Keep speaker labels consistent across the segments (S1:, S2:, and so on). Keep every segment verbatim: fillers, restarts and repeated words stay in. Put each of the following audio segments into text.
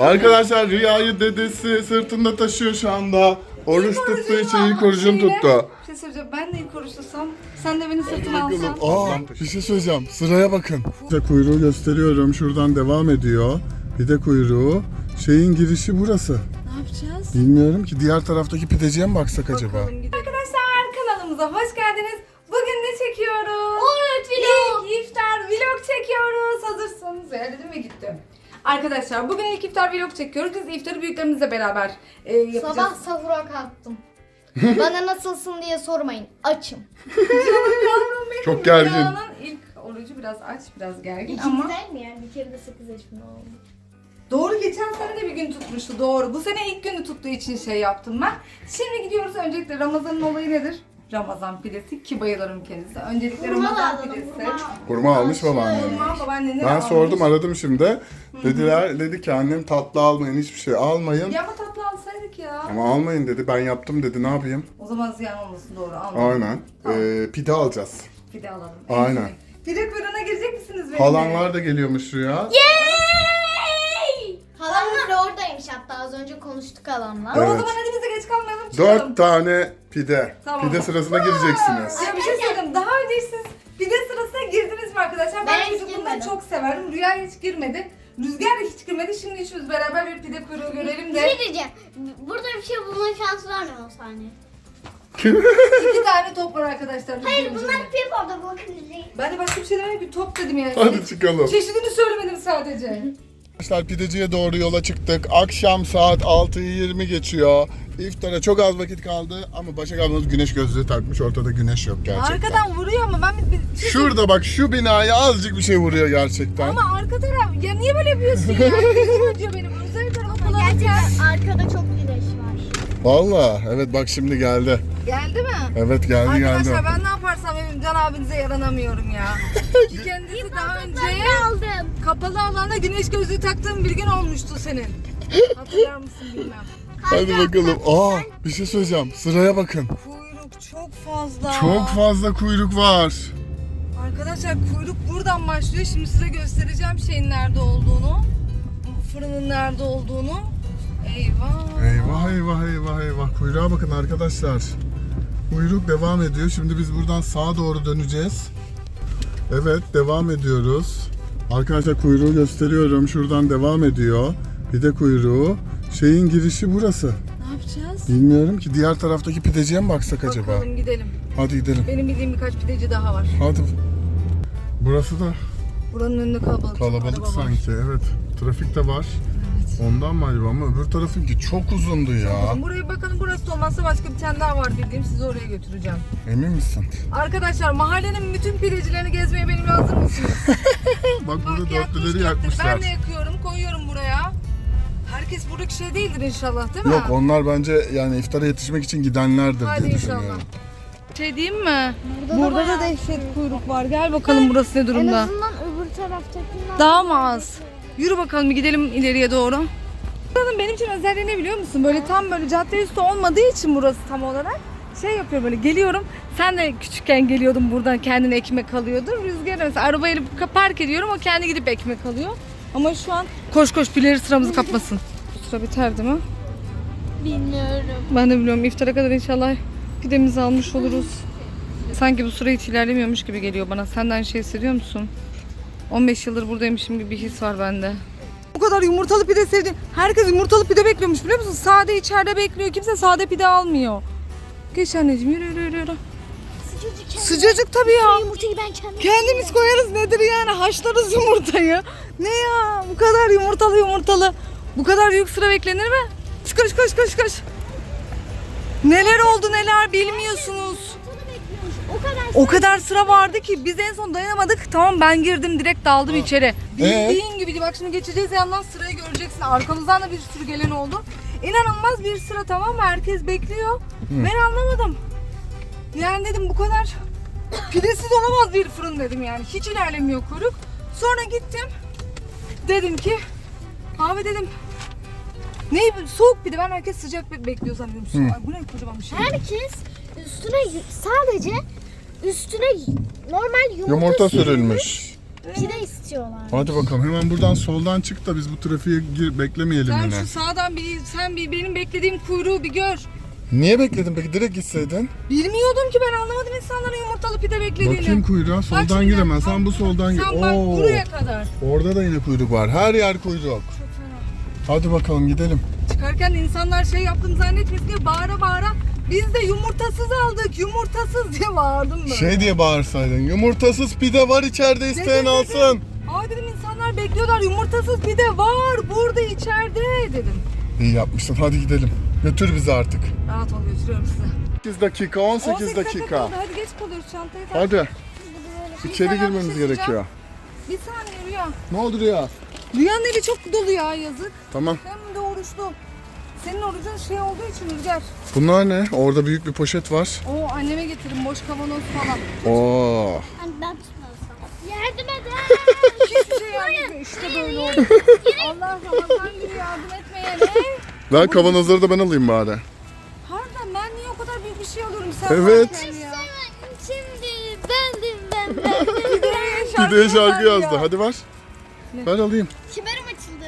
S1: Arkadaşlar Rüya'yı dedesi sırtında taşıyor şu anda. Oruç tuttuğu için ilk orucunu tuttu.
S2: Bir şey söyleyeceğim. Ben de ilk oruçlusam, sen de beni sırtına alsan.
S1: Aa, bir şey söyleyeceğim. Sıraya bakın. Size kuyruğu gösteriyorum. Şuradan devam ediyor. Pide kuyruğu. Şeyin girişi burası.
S2: Ne yapacağız?
S1: Bilmiyorum ki. Diğer taraftaki pideciye mi baksak acaba?
S2: Arkadaşlar kanalımıza hoş geldiniz. Bugün ne çekiyoruz?
S3: Oruç vlog.
S2: İlk iftar vlog çekiyoruz. Hazırsınız. Ya dedim ve gittim. Arkadaşlar bugün ilk iftar vlog çekiyoruz. Biz iftarı büyüklerimizle beraber e, yapacağız.
S3: Sabah sahura kalktım. Bana nasılsın diye sormayın. Açım.
S2: Yavrum benim,
S1: Çok gergin.
S2: Rüyanın ilk orucu biraz aç, biraz gergin ama
S3: İkizler mi yani? Bir kere de sekiz yaşında oldu.
S2: doğru, geçen sene de bir gün tutmuştu, doğru. Bu sene ilk günü tuttuğu için şey yaptım ben. Şimdi gidiyoruz. Öncelikle Ramazan'ın olayı nedir? Ramazan pidesi ki bayılırım kendisi. Öncelikle
S3: Hurma
S2: Ramazan
S3: aldım,
S2: pidesi.
S3: hurma.
S1: Kurma almış babaannem.
S2: Hurma babaannene
S1: Ben
S2: almış.
S1: sordum, aradım şimdi. Dediler, dedi ki annem tatlı almayın, hiçbir şey almayın.
S2: Ya ama tatlı alsaydık ya.
S1: Ama almayın dedi, ben yaptım dedi, ne yapayım?
S2: O zaman ziyan olmasın, doğru, almayın.
S1: Aynen. Ee, pide alacağız.
S2: Pide alalım.
S1: Aynen.
S2: Pide kuyruğuna girecek misiniz benimle?
S1: Halanlar da geliyormuş Rüya.
S3: Yay! Halam bile oradaymış hatta az önce konuştuk halamla.
S2: O
S1: Evet.
S2: zaman hadi bize geç kalmayalım, çıkalım.
S1: Dört tane pide.
S2: Tamam.
S1: Pide sırasına gireceksiniz.
S2: Ya bir şey söyleyeyim. Daha önce siz pide sırasına girdiniz mi arkadaşlar? Ben,
S3: Ben hiç
S2: çocukluğumda
S3: girmedim.
S2: çok severdim. Rüya hiç girmedi. Rüzgar da hiç girmedi. Şimdi üçümüz beraber bir pide kuyruğu görelim
S3: Bir
S2: de.
S3: şey diyeceğim. Burada bir şey bulma şansı var mı o saniye?
S2: İki tane top var arkadaşlar.
S3: Hayır
S2: Rüzgar'ın
S3: bunlar
S2: içinde.
S3: paper'da bakın izleyin.
S2: Ben de başka bir şey demedim ki, top dedim yani.
S1: Hadi çıkalım.
S2: Çeşidini söylemedim sadece.
S1: Arkadaşlar pideciye doğru yola çıktık. Akşam saat altıyı yirmi geçiyor. İftara çok az vakit kaldı ama Başak ablamız güneş gözlüğü takmış. Ortada güneş yok gerçekten.
S2: Arkadan vuruyor ama ben bir, bir şey
S1: Şurada bak, şu binaya azıcık bir şey vuruyor gerçekten.
S2: Ama arka taraf, ya niye böyle yapıyorsun ya? Gözüm acıyor benim. Özel tarafa kullanırken.
S3: Gerçekten arkada çok güneş var.
S1: Valla evet, bak şimdi geldi.
S2: Geldi mi?
S1: Evet geldi
S2: Arkadaşlar
S1: geldi.
S2: ben ne yaparsam benim Can abinize yaranamıyorum ya. Ki kendisi daha önce
S3: aldım.
S2: kapalı alanda güneş gözlüğü taktığın bir gün olmuştu senin. Hatırlar mısın bilmem.
S1: Hadi bakalım. Aa, bir şey söyleyeceğim. Sıraya bakın.
S2: Kuyruk çok fazla.
S1: Çok fazla kuyruk var.
S2: Arkadaşlar kuyruk buradan başlıyor. Şimdi size göstereceğim şeyin nerede olduğunu. Fırının nerede olduğunu. Eyvah.
S1: Eyvah eyvah eyvah eyvah. Kuyruğa bakın arkadaşlar. Kuyruk devam ediyor. Şimdi biz buradan sağa doğru döneceğiz. Evet, devam ediyoruz. Arkadaşlar kuyruğu gösteriyorum. Şuradan devam ediyor. Pide kuyruğu. Şeyin girişi burası.
S2: Ne yapacağız?
S1: Bilmiyorum ki. Diğer taraftaki pideciye mi baksak acaba?
S2: Bakalım, gidelim.
S1: Hadi gidelim.
S2: Benim bildiğim birkaç pideci daha var.
S1: Hadi. Burası da
S2: Buranın önünde kalabalık. çok
S1: kalabalık
S2: araba var.
S1: sanki. Evet. Trafik de var.
S2: Evet.
S1: Ondan mı acaba, ama öbür tarafınki çok uzundu ya.
S2: Buraya bakalım, burası da olmazsa başka bir tane daha var bildiğim, sizi oraya götüreceğim.
S1: Emin misin?
S2: Arkadaşlar mahallenin bütün pidecilerini gezmeye benimle hazır mısınız?
S1: Bak burada
S2: Bak,
S1: dörtlüleri
S2: yakmışlar.
S1: yakmışlar.
S2: Ben de yakıyorum, koyuyorum buraya. Herkes buradaki şey değildir inşallah, değil mi?
S1: Yok, onlar bence yani iftara yetişmek için gidenlerdir
S2: Hadi
S1: diye
S2: inşallah.
S1: düşünüyorum.
S2: Şey diyeyim mi?
S3: Burada,
S2: Burada da
S3: bayağı
S2: dehşet kuyruk var. Gel bakalım burası ne
S3: En
S2: durumda.
S3: azından öbür taraftakinden.
S2: Daha mı az? Yürü bakalım, bir gidelim ileriye doğru. Buranın benim için özelliği ne biliyor musun? Böyle tam böyle cadde üstü olmadığı için burası tam olarak şey yapıyor, böyle geliyorum. Sen de küçükken geliyordun buradan, kendine ekmek alıyordun. Rüzgar mesela arabayı park ediyorum, o kendi gidip ekmek alıyor. Ama şu an koş koş, birileri sıramızı kapmasın. Bu sıra biter değil mi?
S3: Bilmiyorum.
S2: Ben de biliyorum, iftara kadar inşallah pidemizi almış oluruz. Sanki bu süre hiç ilerlemiyormuş gibi geliyor bana. Sen de aynı şeyi hissediyor musun? on beş yıldır buradaymışım gibi bir his var bende. Bu kadar yumurtalı pide sevdim. Herkes yumurtalı pide bekliyormuş, biliyor musun? Sade içeride bekliyor. Kimse sade pide almıyor. Geç anneciğim, yürü yürü yürü. yürü.
S3: Sıcacık kendim.
S2: Sıcacık tabii ya.
S3: Yumurtayı ben kendim.
S2: Kendimiz koyarız, nedir yani? Haşlarız yumurtayı. Ne ya? Bu kadar yumurtalı yumurtalı. Bu kadar büyük sıra beklenir mi? Koş koş koş koş koş. Neler oldu neler bilmiyorsunuz.
S3: O kadar.
S2: O kadar sıra vardı ki biz en son dayanamadık. Tamam, ben girdim, direkt daldım içeri. Bildiğin gibiydi. Bak şimdi geçeceğiz yandan, sırayı göreceksin. Arkamızdan da bir sürü gelen oldu. İnanılmaz bir sıra, tamam mı? Herkes bekliyor. Ben anlamadım. Yani dedim bu kadar pidesiz olamaz bir fırın dedim yani. Hiç ilerlemiyor kuyruk. Sonra gittim. Dedim ki abi dedim, ne soğuk pide, ben herkes sıcak be- bekliyor sanıyorum. Su- Ay, bu ne kocaman bir şey.
S3: Herkes üstüne y- sadece üstüne normal yumurta,
S1: Yumurta sürülmüş.
S3: Pide istiyorlar.
S1: Hadi bakalım hemen buradan soldan çık da biz bu trafiğe gir, beklemeyelim
S2: Sen
S1: yine.
S2: şu sağdan bir, sen bir benim beklediğim kuyruğu bir gör.
S1: Niye bekledin peki? Direkt gitseydin.
S2: Bilmiyordum ki, ben anlamadım insanların yumurtalı pide beklediğini.
S1: Bakayım kuyruğa.
S2: Bak
S1: Soldan
S2: şimdi,
S1: giremez. Sen
S2: tam-
S1: bu soldan gir.
S2: Sen bak
S1: Oo,
S2: buraya kadar.
S1: orada da yine kuyruk var. Her yer kuyruk. Hadi bakalım gidelim.
S2: Çıkarken de insanlar şey yaptım zannetmesin diye bağıra bağıra biz de yumurtasız aldık, yumurtasız diye bağırdım böyle.
S1: Şey diye bağırsaydın. Yumurtasız pide var içeride, isteyen
S2: Dedim,
S1: alsın.
S2: Aa dedim, insanlar bekliyorlar, yumurtasız pide var burada içeride dedim.
S1: İyi yapmışsın. Hadi gidelim. Götür bizi artık.
S2: Rahat ol, götürüyorum size.
S1: sekiz dakika, on sekiz dakika.
S2: kaldı. Hadi geç kalıyoruz, çantayı tak.
S1: Hadi.
S2: Bir
S1: İçeri
S2: saniye,
S1: girmemiz
S2: bir şey
S1: gerekiyor.
S2: Bir saniye Rüya.
S1: Ne oldu Rüya?
S2: Rüyanın eli çok dolu ya, yazık.
S1: Tamam.
S2: Hem de oruçlu. Senin orucun şey olduğu için Rüzgar.
S1: Bunlar ne? Orada büyük bir poşet var.
S2: Oo, anneme getirin boş kavanoz falan.
S1: Oo.
S3: Hani ben tutmasam. Yardım edin.
S2: Hiçbir şey yardım İşte böyle oldu. Allah Ramazan günü yardım etmeyene.
S1: Ver kavanozları da ben alayım bari.
S2: Pardon, ben niye o kadar büyük bir şey alıyorum sen
S1: Evet.
S2: varken ya?
S3: Şimdi bendim ben ben.
S2: Pideye şarkı,
S1: Pideye şarkı
S2: yazar ya.
S1: yazdı. Hadi ver. Ver alayım.
S3: Kemerim açıldı.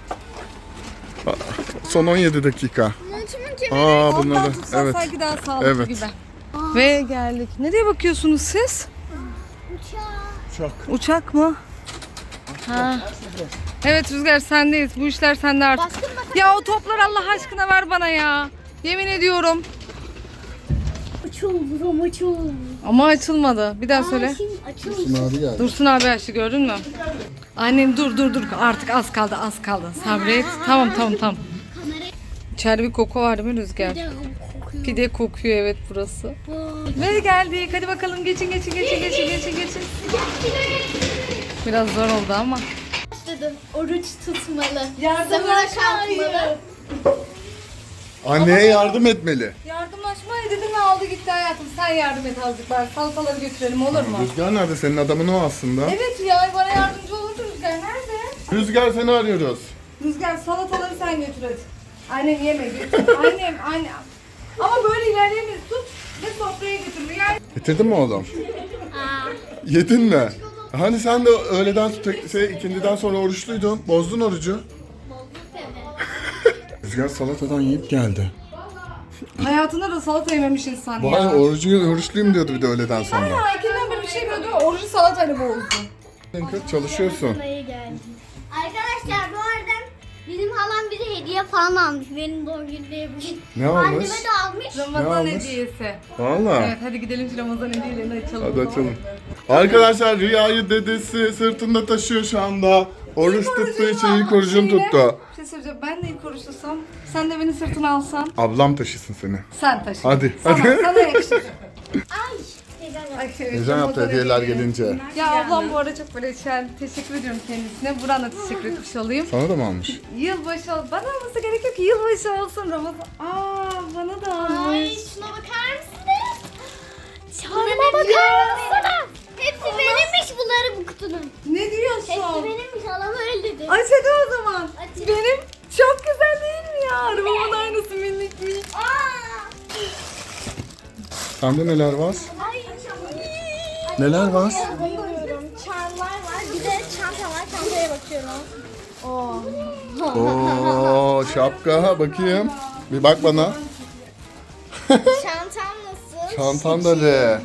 S1: Son on yedi dakika.
S3: Montumun kemeri.
S1: Aa
S2: Ondan
S1: bunları.
S2: tutsan
S1: Evet.
S2: sanki daha sağlıklı
S1: Evet.
S2: gibi. Ve geldik. Nereye bakıyorsunuz siz?
S3: Uçağı.
S1: Çok.
S2: Uçak mı? Ha. Evet Rüzgar, sendeyiz. Bu işler sende artık.
S3: Baskın bakalım.
S2: Ya o toplar Allah aşkına ver bana ya. Yemin ediyorum.
S3: Açıldı, açıldı.
S2: Ama açılmadı. Bir daha söyle.
S3: Şimdi açıldı.
S1: Abi geldi.
S2: Dursun abi açtı, gördün mü? Annem dur dur dur, artık az kaldı az kaldı. Sabret. Tamam tamam tamam.
S3: Kamera
S2: İçeride bir koku var değil mi Rüzgar?
S3: kokuyor.
S2: Pide kokuyor evet burası. Ve geldik. Hadi bakalım, geçin geçin geçin geçin geçin geçin. Biraz zor oldu ama.
S3: Başladı. Oruç tutmalı.
S2: Yardımlaşma
S3: Zamana kalkmalı.
S1: Anneye yardım etmeli.
S2: Yardımlaşma dedim ve aldı gitti hayatım. Sen yardım et azıcık, bari salataları götürelim olur mu?
S1: Rüzgar nerede? Senin adamın o aslında.
S2: Evet ya, bana yardımcı olurdu Rüzgar. Nerede?
S1: Rüzgar seni arıyoruz.
S2: Rüzgar, salataları sen götür hadi. Annem yeme götür. Annem annem. Ama böyle ilerleyemeyiz. Tut ve sofraya götür. Rüya.
S1: Getirdin mi oğlum?
S3: Aa,
S1: Yedin mi? Hani sen de öğleden şey, ikindiden sonra oruçluydun. Bozdun orucu.
S3: bozduk tabii.
S1: Rüzgar salatadan yiyip geldi.
S2: Hayatında da salata yememiş insan ya.
S1: Vay orucu, oruçluyum diyordu bir de öğleden sonra.
S2: Ya ikinden beri bir şey gördü. Orucu salatayla bozdu.
S1: Sen kız çalışıyorsun.
S3: Dayı geldi. Arkadaşlar bu arada bizim halam bize hediye falan almış. Benim doğum günümde bugün.
S1: Ne almış?
S3: Anneme de almış.
S2: Ramazan
S1: almış?
S2: hediyesi.
S1: Valla.
S2: Evet, hadi gidelim şu Ramazan hediyelerini açalım.
S1: Hadi açalım. Arkadaşlar Rüya'yı dedesi sırtında taşıyor şu anda. Oruç tuttuğu için ilk orucunu tuttu.
S2: Bir şey söyleyeceğim. Ben de ilk oruçlusam, sen de beni sırtına alsan.
S1: Ablam taşısın seni.
S2: Sen taşı.
S1: Hadi,
S2: Sana,
S1: hadi.
S2: sana yakışır.
S3: Ay. Teyzem geldi.
S2: Ay, evet,
S1: Heyecan yaptı
S2: Ramazan
S1: hediyeler
S2: hediyeleri.
S1: gelince.
S2: Ya ablam bu arada çok böyle şey, teşekkür ediyorum kendisine. Buran da teşekkür etmiş olayım.
S1: Sana da mı almış?
S2: Yılbaşı ol. Bana olması gerekiyor ki yılbaşı olsun Ramazan. Aa, bana da
S3: Ay
S2: almış.
S3: şuna bakar mısınız? Çarma bakar mısınız? Hepsi benimmiş bunları bu kutunun.
S2: Ne diyorsun?
S3: Hepsi benimmiş halam öyle dedi.
S2: Aç hadi o zaman.
S3: Aç.
S2: Benim çok güzel değil mi ya? Arabamın aynısı minik minik.
S3: Aa!
S1: Sende neler var?
S3: Ay.
S1: Neler var?
S3: Bayılıyorum. Çarmlar var. Bir de çanta var. Çantaya bakıyorum. Oo.
S1: Oo şapka bakayım. Bir bak bana.
S3: Çantam nasıl?
S1: Çantan da re.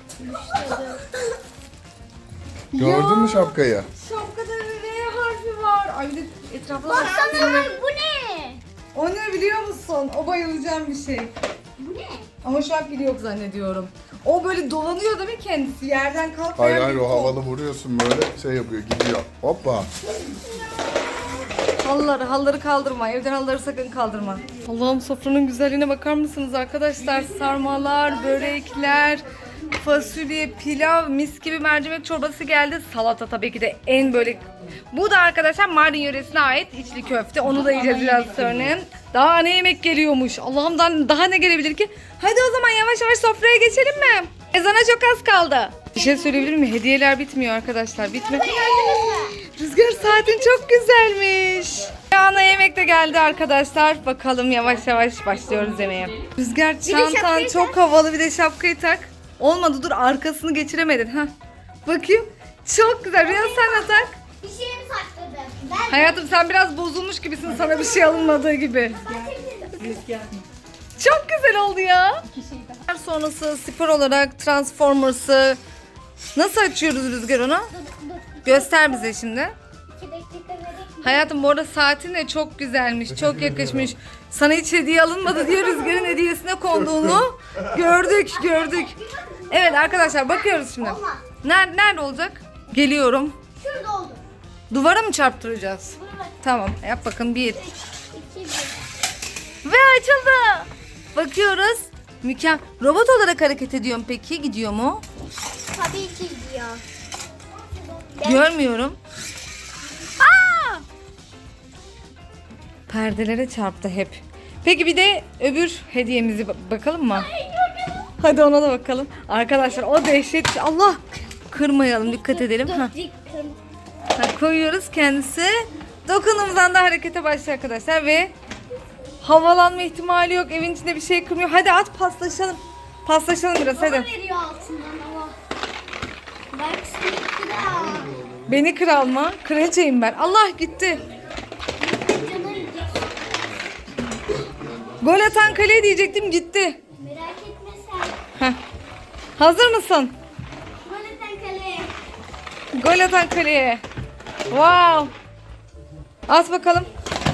S1: Gördün mü şapkayı?
S2: Şapkada R harfi var. Ay bir de etrafına
S3: Baksana
S2: baksana.
S3: bu ne?
S2: O ne biliyor musun? O bayılacağım bir şey.
S3: Bu ne?
S2: Ama şu an pili yok zannediyorum. O böyle dolanıyor değil mi kendisi? Yerden kalkmayan
S1: Hayır hayır
S2: bir
S1: o
S2: kol.
S1: havalı vuruyorsun böyle şey yapıyor gidiyor. Hoppa.
S2: Halıları, halıları kaldırma. Evden halıları sakın kaldırma. Allah'ım, sofranın güzelliğine bakar mısınız arkadaşlar? Sarmalar, börekler, fasulye, pilav, mis gibi mercimek çorbası geldi. Salata tabii ki de en böyle... Bu da arkadaşlar Mardin yöresine ait içli köfte. Onu da yiyeceğiz biraz sonra. Daha ne yemek geliyormuş. Allah'ımdan daha ne gelebilir ki? Hadi o zaman yavaş yavaş sofraya geçelim mi? Ezana çok az kaldı. Bir şey söyleyebilir miyim? Hediyeler bitmiyor arkadaşlar. Bitme. Rüzgar, saatin çok güzelmiş. Ana yemek de geldi arkadaşlar. Bakalım yavaş yavaş başlıyoruz yemeğe. Rüzgar, çantan
S3: şapkayı
S2: çok havalı, bir de şapkayı tak. Olmadı, dur arkasını geçiremedin. ha. Bakayım. Çok güzel. Rüya sen de tak.
S3: Bir şeyimi sakladım. Ben
S2: Hayatım sen biraz bozulmuş gibisin, sana bir şey alınmadığı gibi. Çok güzel oldu ya. Sonrası spor olarak Transformers'ı nasıl açıyoruz Rüzgar onu?
S3: dur dur.
S2: Göster bize şimdi.
S3: İki dakika vereyim.
S2: Hayatım bu arada saatin de çok güzelmiş, çok yakışmış. Sana hiç hediye alınmadı diye Rüzgar'ın hediyesine konduğunu gördük, gördük. Evet arkadaşlar bakıyoruz şimdi.
S3: Olmaz.
S2: Nerede, nerede olacak? Geliyorum.
S3: Şurada oldu.
S2: Duvara mı çarptıracağız?
S3: Bunu bak.
S2: Tamam yap bakın bir.
S3: İki bir.
S2: Ve açıldı. Bakıyoruz. Mükemmel. Robot olarak hareket ediyor mu peki? Gidiyor mu?
S3: Tabii ki gidiyor.
S2: Görmüyorum. Aa! Perdelere çarptı hep. Peki bir de öbür hediyemizi ba- bakalım mı? Hadi ona da bakalım. Arkadaşlar o dehşet. Allah! Kırmayalım, dikkat edelim. Ha. Ha, koyuyoruz kendisi. Dokunumuzdan da harekete başlıyor arkadaşlar ve havalanma ihtimali yok. Evin içinde bir şey kırmıyor. Hadi at paslaşalım. Paslaşalım biraz hadi.
S3: Bana veriyor altından ama. Bak seni kral.
S2: Beni kral mı? Kraliçeyim ben. Allah gitti.
S3: Canım gidecek.
S2: Gol atan kaleye diyecektim gitti.
S3: Merak etme sen.
S2: Heh. Hazır mısın?
S3: Maneten kaleye.
S2: Gol atan kaleye. Wow. At bakalım.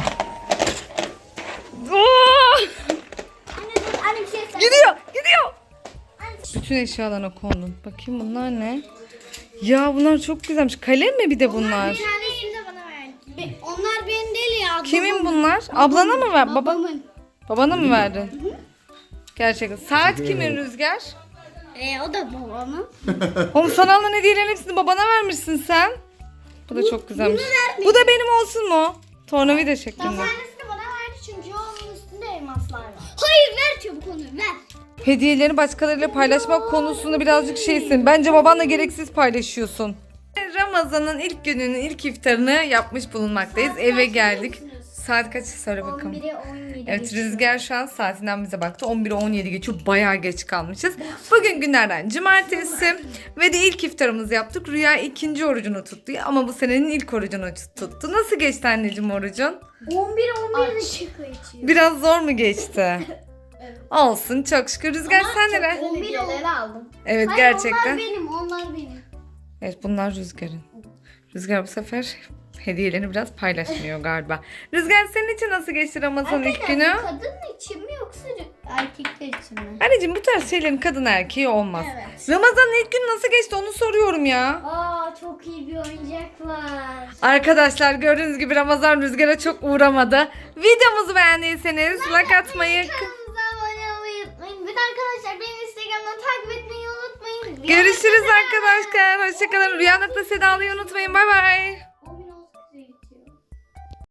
S2: Oo!
S3: Anne dur anne bir şey söyle.
S2: Gidiyor, gidiyor.
S3: Anne,
S2: Bütün eşyalarına kondum. Bakayım bunlar ne? Ya bunlar çok güzelmiş. Kalem mi bir de bunlar?
S3: Bir tanesini de bana ver. Be- onlar benim değil ya.
S2: Kimin
S3: babamın.
S2: bunlar? Ablana mı ver? Baba,
S3: Babamın.
S2: babana mı verdin? Gerçekten. Saat kimin Rüzgar?
S3: Ee, o da babamın.
S2: Oğlum sana alınan hediyelerin hepsini babana vermişsin sen. Bu da çok güzelmiş.
S3: bunu vermedim.
S2: Bu da benim olsun mu? Tornavida
S3: Bir
S2: şeklinde.
S3: tanesini bana verdi çünkü onun üstünde elmaslar var. Hayır ver çabuk onu ver.
S2: Hediyelerini başkalarıyla paylaşmak konusunda birazcık şeysin. Bence babanla gereksiz paylaşıyorsun. Ramazan'ın ilk gününün ilk iftarını yapmış bulunmaktayız. Eve geldik. Saat kaç söyle bakalım.
S3: on bire on yedi.
S2: Evet Rüzgar şu an saatinden bize baktı. on bire on yedi geçiyor. Bayağı geç kalmışız. Bugün günlerden cumartesi ve de ilk iftarımızı yaptık. Rüya ikinci orucunu tuttu ama bu senenin ilk orucunu tuttu. Nasıl geçti anneciğim orucun?
S3: on bir on birde çıkıyor içiyor.
S2: Biraz zor mu geçti? Olsun çok şükür. Rüzgar sen neler?
S3: on bir aldım.
S2: Evet
S3: Hayır,
S2: gerçekten.
S3: onlar benim, onlar benim.
S2: Evet bunlar Rüzgar'ın. Rüzgar bu sefer hediyelerini biraz paylaşmıyor galiba. Rüzgar senin için nasıl geçti Ramazan ilk günü?
S3: Kadın için mi yoksa erkekler için mi?
S2: Anneciğim bu tarz şeylerin kadın erkeği olmaz.
S3: Evet.
S2: Ramazan'ın ilk günü nasıl geçti onu soruyorum ya.
S3: Aa çok iyi bir oyuncak var.
S2: Arkadaşlar gördüğünüz gibi Ramazan Rüzgar'a çok uğramadı. Videomuzu beğendiyseniz like atmayı,
S3: Kanalımıza abone olmayı unutmayın. Bir de arkadaşlar beni Instagram'dan takip etmeyi unutmayın.
S2: görüşürüz arkadaşlar. Hoşçakalın. Rüya nokta Seda'yı unutmayın. Bay bay.